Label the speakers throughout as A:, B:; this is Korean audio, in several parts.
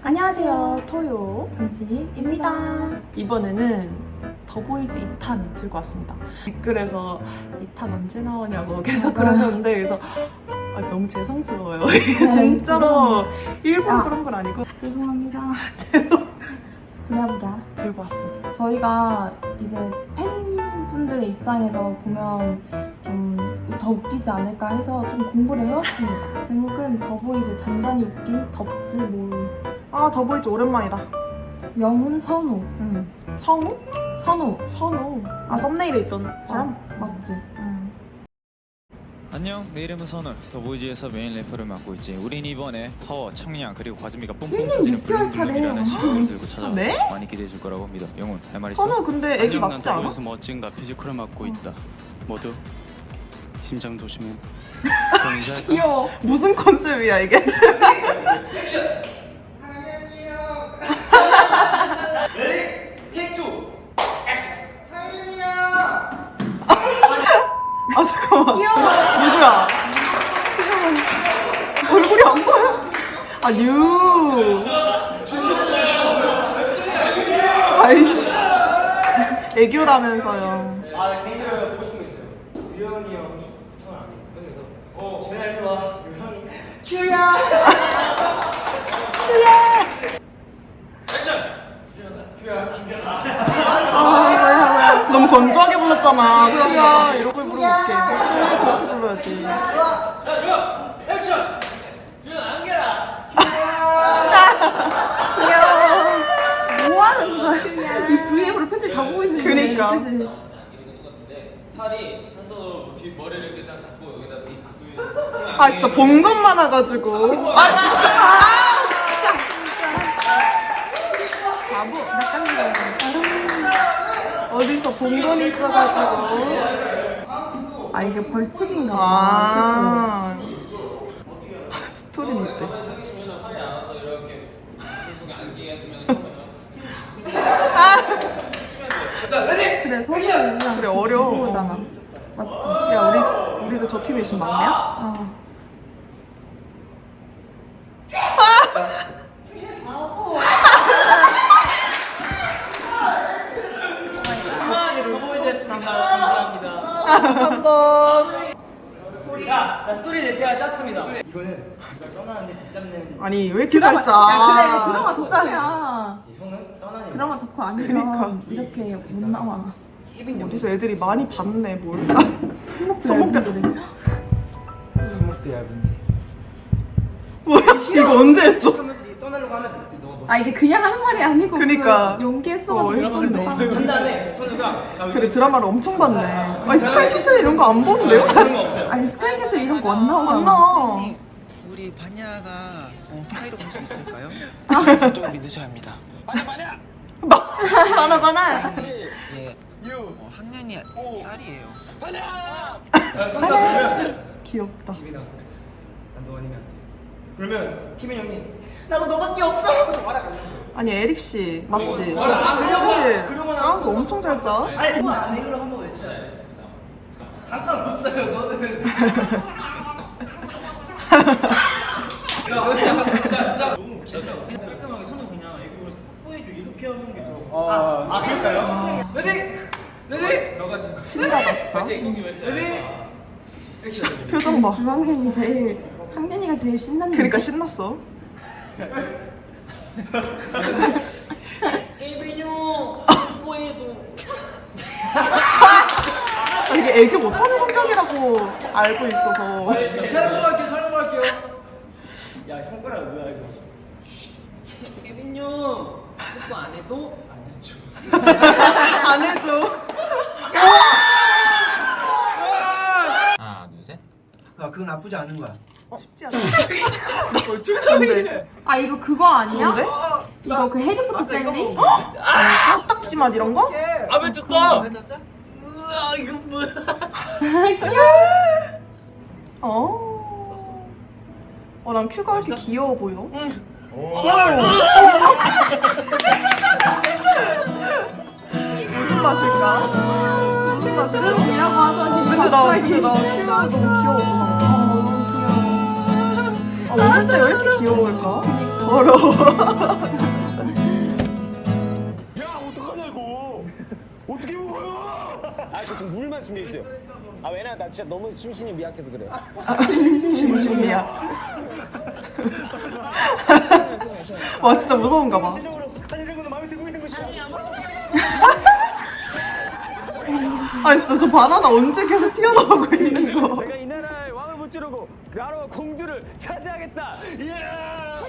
A: 안녕하세요, 토요
B: 당신입니다.
A: 이번에는 더보이즈 2탄 들고 왔습니다. 댓글에서 2탄 언제 나오냐고 계속 그러셨는데, 그래서 너무 죄송스러워요. 진짜로 일부러 그런 건 아니고
B: 죄송합니다. 부랴부랴
A: 들고 왔습니다.
B: 저희가 이제 팬분들의 입장에서 보면 좀 더 웃기지 않을까 해서 좀 공부를 해왔습니다. 제목은 더보이즈 잔잔히 웃긴 덥지 뭘.
A: 더보이즈 오랜만이다.
B: 영훈 선우.
A: 성우?
B: 선우.
A: 선우. 썸네일에 있던 사람?
B: 맞지?
C: 안녕, 내 이름은 선우. 더보이즈에서 메인 래퍼를 맡고 있지. 우린 이번에 파워, 청량 그리고 과즙미가 뿜뿜 터지는
B: 6개월 차래요.
C: 블룸블룸이라는 신곡을 들고 찾아와.
A: 네?
C: 많이 기대해 줄 거라고 믿어. 영훈, 할 말 있어?
A: 선우 근데 애기
D: 안녕, 난
A: 맞지 않아?
D: 더보이즈 멋진 가피지컬을 맡고 있다. 모두 심장 조심해. 그럼 인사할까?
B: 귀여워.
A: 무슨 컨셉이야 이게? 잠깐만.
B: 귀여워.
A: 누구야? 얼굴이 안 보여. 뉴. 아이씨. 애교라면서요.
E: 개인적으로 보고 싶은 거 있어요. 주영이 형이 시청을 안 해요. 그래서 제가 일로 와. 그리고 형이 큐야.
A: 뭐야. 너무 건조하게 불렀잖아. 큐야. 이러고 부르면 어떡해. 저렇게 불러야지.
E: 자, 액션. 주영 안겨라.
A: 귀여워.
B: 뭐 하는 거야? 이 VM으로 팬들 다 보고 있는데.
A: 그니까.
B: 그치?
E: 팔이 한 손으로 뒤 머리를 이렇게 딱 잡고 여기다 이 가슴.
A: 진짜 본 것만 와가지고. 진짜. 바보. 어디서 본 건 있어가지고.
B: 이게 벌칙인가 봐.
A: 스토리는 있대.
E: 상치면 팔이 알아서 이렇게 손속에 안기게 해주면 자, 레디.
B: 그래, 선우랑
A: 그래, 어려워.
B: 오잖아. 맞지?
A: 야, 우리도 저 팀에 지금 막내야?
B: 어.
E: 감사합니다.
A: 한번.
E: 자, 스토리 제가 짰습니다. 이거는 제가 떠나는데 붙잡는.
A: 아니, 왜 이렇게
B: 드라마,
A: 잘 짜?
B: 야, 그래, 드라마
A: 진짜.
B: 덕후야.
E: 형은 떠나는.
B: 드라마 덕후 아니면
A: 그니까.
B: 이렇게 못 나와.
A: 어디서 애들이 많이 봤네, 뭘.
B: 손목들
A: 손목들.
B: 얇은들은.
E: 스모크 얇은데.
A: 뭐야? 이거 언제 했어?
E: 떠나려고 하면 그때 너.
B: 이게 그냥 하는 말이 아니고
A: 그니까.
B: 그 연기했어가지고
A: 했었네.
E: 한 다음에 선우가
A: 그래, 드라마를 엄청 봤네. 스카이키스는 이런 거 안 보는데요?
E: 그런 거 없어요.
B: 아니 스카이캐슬 이런 거 안 나오잖아.
A: 안 나와.
F: 우리 바냐가 스카이로 볼 수 있을까요?
C: 좀 믿으셔야 합니다.
A: 바나.
F: 예. 학년이 딸이에요.
A: 귀엽다.
E: 김이나 난너 아니면 안 돼. 그러면 김인 형이 나도 너밖에 없어. 그래서 말하고.
A: 아니, 에릭 씨 맞지?
E: 그러면
A: 그거 엄청 잘 짜.
E: 아니 그거 안 해. 그럼 한번 외쳐야 돼. 상관없어요. 너는. 너무 깔끔하게 선우 그냥 애교 그래서 뽀뽀해줘 이렇게 하는 게 더. 그럴까요? 레디. 너가 진짜.
A: 치밀하다, 진짜.
E: 레디. 액션.
A: 표정 봐.
B: 주황현이 제일 학년이가 제일 신났는데.
A: 그러니까 신났어.
E: 깨빈 형 뽀뽀해도.
A: 이게 애교 못하는 성격이라고 알고 있어서.
E: 사람 할게요. 야, 손가락 뭐야 이거? 깨빈 형 뽀뽀 안 해도 안 해줘.
A: 안 해줘.
C: 하나, 둘, 셋.
G: 그건 나쁘지 않은 거야.
A: 쉽지 않아. 나 어떻게 하는데?
B: 이거 그거 아니야?
A: 뭔데?
B: 이거 그 해리포터 젤리?
A: 딱딱지 맛 이런 거?
E: 아왜 줬어?
G: 뱉었어?
E: 우와 이거 뭐야?
A: 난 큐가 왜 이렇게 귀여워 보여? 무슨 맛일까? 무슨 맛일까?
B: 이라고 하더니
A: 근데 나
B: 갑자기
A: 큐가 너무 귀여웠어. 방금. 웃을 때 왜 이렇게 귀여울까? 더러워.
G: 야 어떡하냐 이거 어떻게 먹어요? 아 지금 물만 준비해 주세요. 아 왜냐면 나 진짜 너무 심신이 미약해서 그래요.
A: 심심이야. 와 진짜 무서운가 봐.
G: 한시적으로 한시적으로 마음에 들고 있는 것이
A: 아 진짜 저 바나나 언제 계속 튀어나오고 있는 거.
G: 내가 이 나라의 왕을 무찌르고 나라와 공주를 차지하겠다. 이야!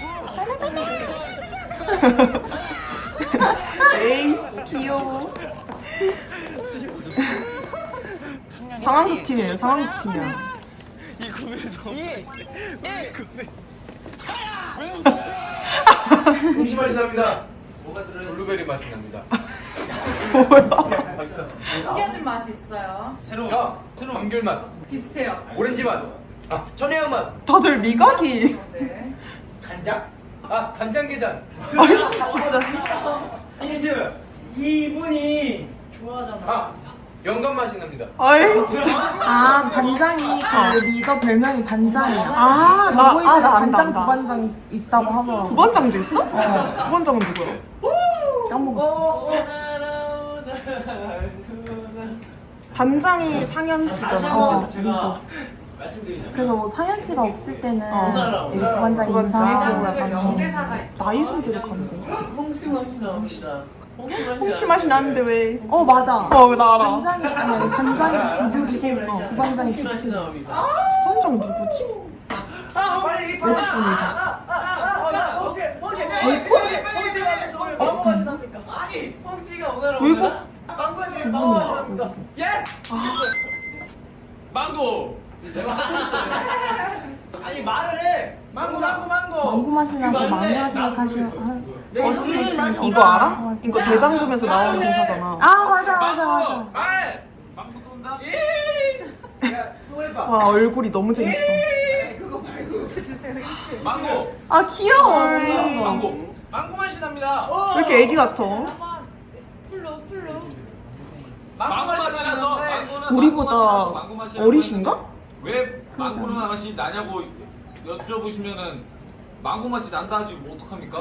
A: 에이 귀여워. 상황극 팀이에요. 상황극 팀이야.
H: 음식 맛이 납니다. 뭐가 들어요? 블루베리 맛이 납니다.
I: 숨겨진 맛이 있어요.
H: 새로운 감귤 맛,
I: 비슷해요.
H: 오렌지 맛, 천혜향 맛,
A: 다들 미각이.
I: 네.
E: 간장?
H: 간장게장.
A: 아이 진짜.
E: 힌트. 이분이 좋아하잖아.
H: 영감 맛이 납니다.
A: 아이 진짜.
B: 아 반장이 그 리더 별명이 반장이야.
A: 나
B: 더보이즈가
A: 안다,
B: 반장
A: 안다.
B: 부반장 있다고 하더라고.
A: 부반장도 있어? 부반장은 누구야?
B: 까먹었어.
A: 반장이 상현 씨잖아.
E: 제가 말씀드리자면
B: 그래서 뭐 상현 씨가 없을 때는
A: 어.
B: 이제 부반장이 인사하고 약간 좀
A: 나이 손대로 가는 거야. 홍시 맛이 나는데 왜?
B: 맞아.
A: 나 알아.
B: 반장이 아니 반장이 부부지고 부반장이 부치고
A: 부반장 누구지?
B: 외국분이셔.
A: 제이콥?
E: 아니 홍씨가 오늘
A: 외국?
B: 부분이셔.
E: 망고. 아니 말을 해. 망고.
B: 망고 맛이 나서 망고라 생각하시면
A: 이거 알아? 이거 대장금에서 나오는 대사잖아.
B: 맞아.
E: 망고 쏜다.
A: 와 얼굴이 너무 재밌어.
E: 망고.
B: 아 귀여워.
E: 망고 맛이 납니다.
A: 왜 이렇게 애기 같아?
E: 망고 맛이 나서
A: 우리보다 어리신가?
J: 왜 망고 맛이 나냐고 여쭤보시면은 망고 맛이 난다 하지 뭐 어떡합니까?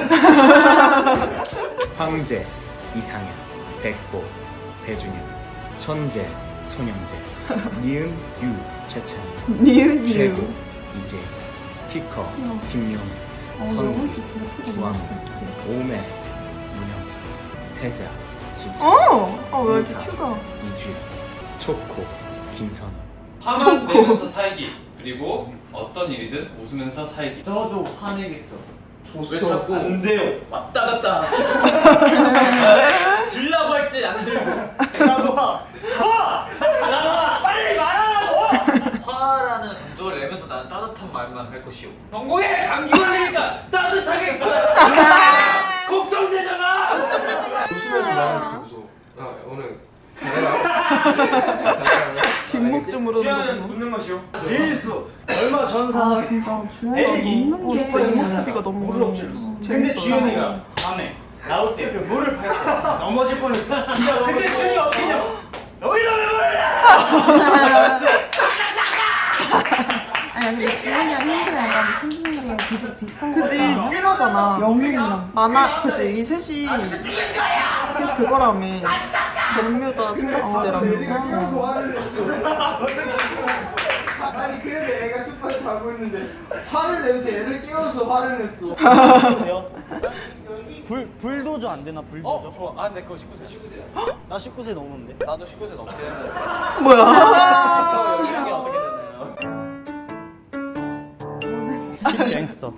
K: 황제, 이상현, 백보, 배준현, 천재, 손영재, 니은, 유, 최찬,
A: 니은
K: 최고,
A: 유.
K: 이재, 피커, 김용,
B: 영웅
K: 선우,
B: 씨 진짜 크게
K: 주황, 오메, 문영석, 세자, 진짜,
A: 왜 이렇게 큐가?
K: 이주연, 초코, 김선우.
L: 화만 내면서 살기 그리고 어떤 일이든 웃으면서 살기.
E: 저도 화내겠어.
L: 왜 자꾸
E: 안 돼요. 왔다 갔다.
L: 들라고 할 때 안 들고.
E: 나도 빨리 말하라고.
J: 화라는 감정을 내면서 나는 따뜻한 말만 할 것이오. 전공에 감기 걸리니까 따뜻하게 걱정되잖아.
H: 웃으면서 말하는 게 무서워. 오늘 잘해라.
A: 뒷목 좀
E: 주연은
A: 물어보고.
E: 웃는 것이요. 일수 얼마 전사.
B: 진짜 주연이가
E: 에이,
B: 먹는
A: 진짜
B: 게
A: 이목구비가 너무
E: 물을 엎질렀어. 근데
A: 재밌어.
E: 주연이가 밤에 나올 때 그 물을 밟고 넘어질 뻔했어. 근데 주연이 어떻게 했냐? 너희가 왜 물을
B: 아니 근데 주연이랑 현지가 약간 생긴 게 재질 비슷한 거
A: 그지
B: 같잖아.
A: 찐하잖아.
B: 영웅이랑
A: 그지 이 셋이 그래서 그거라며. 별묘다 생각지대라며.
E: 화를 냈어. 아니 그래도 애가 숲에서 자고 있는데 화를 내면서 애를 깨워서 화를 냈어. 불도저 안 되나 불도저?
H: 좋아. 내 그거 19세.
E: 나 19세 넘었는데.
H: 나도 19세 넘게 했는데.
A: 뭐야?
E: 연령이 어떻게 되나요? 갱스터.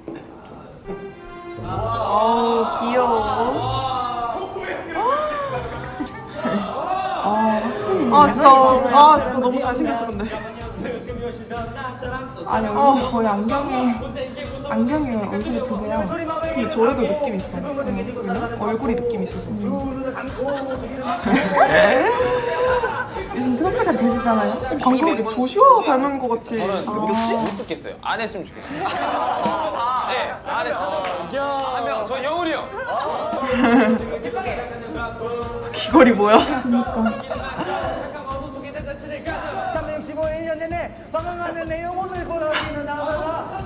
A: 귀여워.
B: 확실히
A: 진짜 너무 잘생겼어 근데.
B: 아니 얼굴이 거의 안경에 얼굴이 두 배야.
A: 근데 저래도 느낌 있어. 얼굴이 느낌 있어서.
B: 요즘 트로트가 대세잖아요.
A: 방금 이렇게 조슈아 닮은 것 같이 느꼈지?
G: 못 듣겠어요. 안 했으면 좋겠어요. 네, 안 했어. 한명 저 영훈이 형.
A: 귀걸이 뭐야?
E: 365일 でねバカがね영혼을 걸어가는 나가가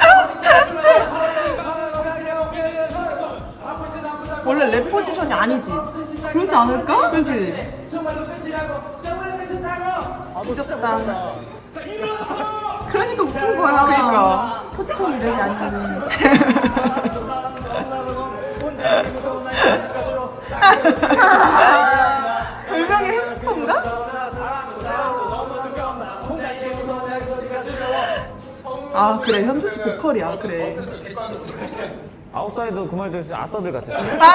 A: 원래 랩 포지션이 아니지.
B: 그러지 않을까?
A: 그렇지. 뒤졌다.
B: 그러니까 웃긴 거야.
A: 그러니까.
B: 포지션이 랩이 아니거든.
A: 별명이 햄스터인가? 아 그래 현주 씨 보컬이야 그래.
G: 아웃사이더 그 말도 했어요. 아싸들 같았어.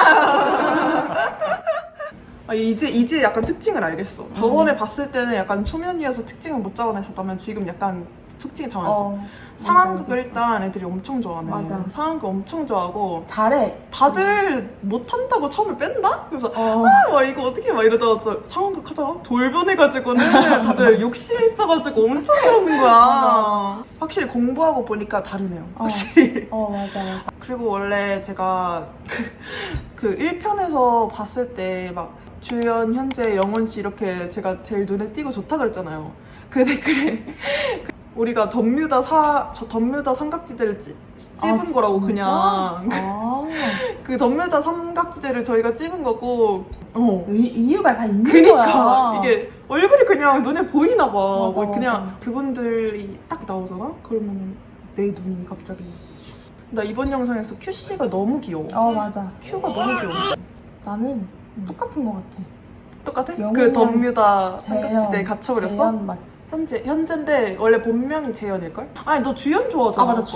A: 아, 이제 약간 특징을 알겠어. 저번에 봤을 때는 약간 초면이어서 특징을 못 잡아냈었다면 지금 약간 특징이 잡아냈어. 상황극을 일단 애들이 엄청 좋아하네.
B: 맞아.
A: 상황극 엄청 좋아하고
B: 잘해.
A: 다들 못한다고 처음에 뺀다? 그래서 와 이거 어떻게 막 이러다가 상황극 하자 돌변해가지고는 다들 욕심이 있어가지고 엄청 그러는 거야. 확실히 공부하고 보니까 다르네요. 확실히.
B: 맞아.
A: 그리고 원래 제가 그 1편에서 봤을 때 막 주연, 현재, 영원 씨 이렇게 제가 제일 눈에 띄고 좋다 그랬잖아요. 그 댓글에 우리가 덤뮤다 삼각지대를 찝은
B: 진짜?
A: 거라고 그냥 그 덤뮤다 삼각지대를 저희가 찝은 거고
B: 이유가 다 있는
A: 그니까
B: 거야.
A: 이게 얼굴이 그냥 눈에 보이나 봐.
B: 맞아,
A: 그냥
B: 맞아.
A: 그분들이 딱 나오잖아? 그러면 내 눈이 갑자기 나 이번 영상에서 큐씨가 너무 귀여워.
B: 맞아.
A: 큐가 너무 귀여워.
B: 나는 똑같은 거 같아.
A: 똑같아? 그
B: 영훈이랑
A: 덤뮤다
B: 재현,
A: 삼각지대에 갇혀버렸어?
B: 재현 맞.
A: 현재인데 원래 본명이 재현일걸? 아니 너 주연 좋아하잖아.
B: 맞아.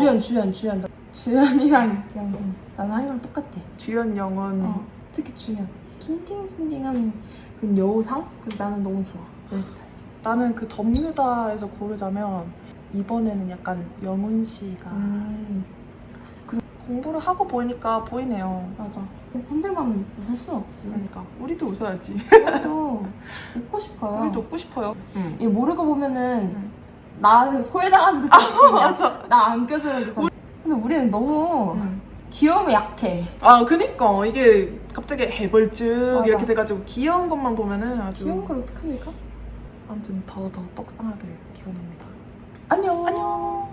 B: 주연이랑 영훈. 나는 항상 똑같아.
A: 주연 영은
B: 특히 주연. 순딩순딩한 그런 여우상? 그래서 나는 너무 좋아. 내 스타일.
A: 나는 그 덤뮤다에서 고르자면 이번에는 약간 영훈 씨가 공부를 하고 보니까 보이네요.
B: 맞아. 팬들만 웃을 순 없지.
A: 그러니까 우리도 웃어야지.
B: 우리도 웃고 싶어요.
A: 우리도 웃고 싶어요.
B: 얘 모르고 보면은 나는 소외당한 듯한
A: 맞아.
B: 나 안 껴주는 듯한. 근데 우리는 너무 귀여움에 약해.
A: 그니까 이게 갑자기 해벌쭉
B: 맞아.
A: 이렇게 돼가지고 귀여운 것만 보면은 아주
B: 귀여운 걸 어떡합니까?
A: 아무튼 더 떡상하길 기원합니다.
B: 안녕.
A: 안녕.